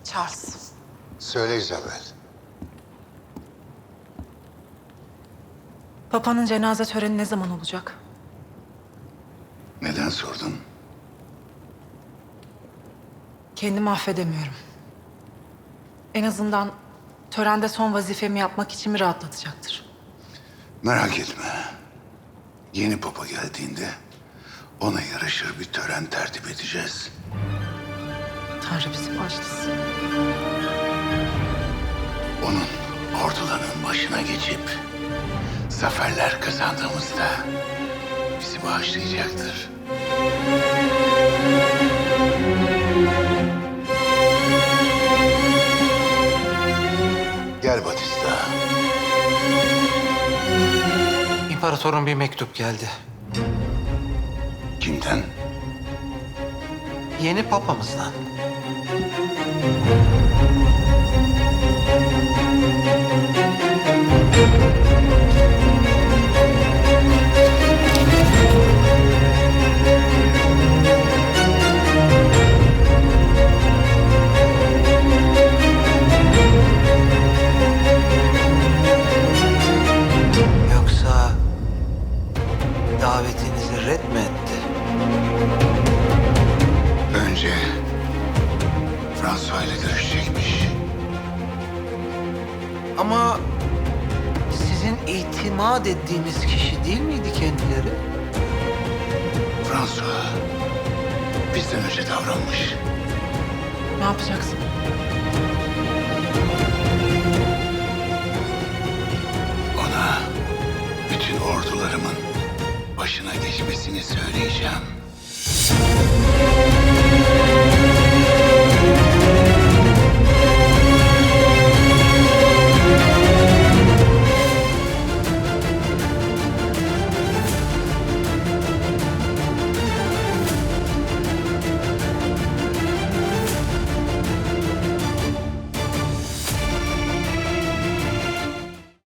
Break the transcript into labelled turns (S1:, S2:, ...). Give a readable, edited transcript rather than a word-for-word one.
S1: Charles.
S2: Söyle Isabel.
S1: Papa'nın cenaze töreni ne zaman olacak?
S2: Neden sordun?
S1: Kendimi affedemiyorum. En azından törende son vazifemi yapmak içimi rahatlatacaktır.
S2: Merak etme. Yeni papa geldiğinde ona yaraşır bir tören tertip edeceğiz.
S1: Tanrı bizi bağışlasın.
S2: Onun ordularının başına geçip zaferler kazandığımızda bizi bağışlayacaktır. Gel Batista.
S3: İmparatorun bir mektup geldi.
S2: Kimden?
S3: Yeni papamızdan. Yoksa davetinizi red mi etti?
S2: Önce François ile görüşecekmiş.
S3: Ama sizin itimat ettiğiniz kişi değil miydi kendileri?
S2: François bizden önce davranmış.
S1: Ne yapacaksın?
S2: Ona bütün ordularımın başına geçmesini söyleyeceğim.